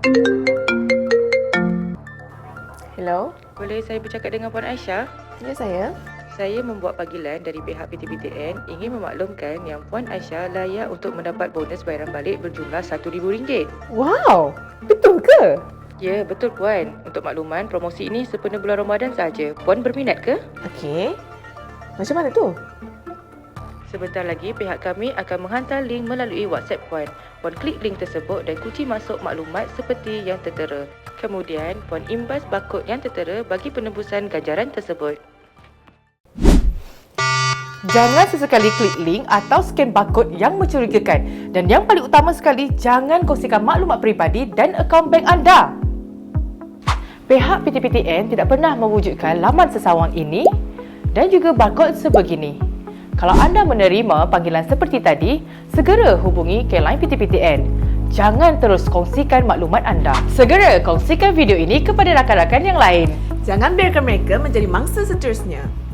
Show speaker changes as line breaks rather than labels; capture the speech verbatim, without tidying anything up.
Hello?
Boleh saya bercakap dengan Puan Aisyah?
Ya, saya.
Saya membuat panggilan dari pihak P T P T N ingin memaklumkan yang Puan Aisyah layak untuk mendapat bonus bayaran balik berjumlah satu ribu ringgit.
Wow! Betul ke?
Ya, betul Puan. Untuk makluman, promosi ini sempena bulan Ramadan sahaja. Puan berminat ke?
Okey. Macam mana tu?
Sebentar lagi, pihak kami akan menghantar link melalui WhatsApp Puan. Puan klik link tersebut dan kunci masuk maklumat seperti yang tertera. Kemudian, Puan imbas barkod yang tertera bagi penembusan ganjaran tersebut.
Jangan sesekali klik link atau scan barcode yang mencurigakan. Dan yang paling utama sekali, jangan kongsikan maklumat peribadi dan akaun bank anda. Pihak P T P T N tidak pernah mewujudkan laman sesawang ini dan juga barcode sebegini. Kalau anda menerima panggilan seperti tadi, segera hubungi ke line P T P T N. Jangan terus kongsikan maklumat anda. Segera kongsikan video ini kepada rakan-rakan yang lain.
Jangan biarkan mereka menjadi mangsa seterusnya.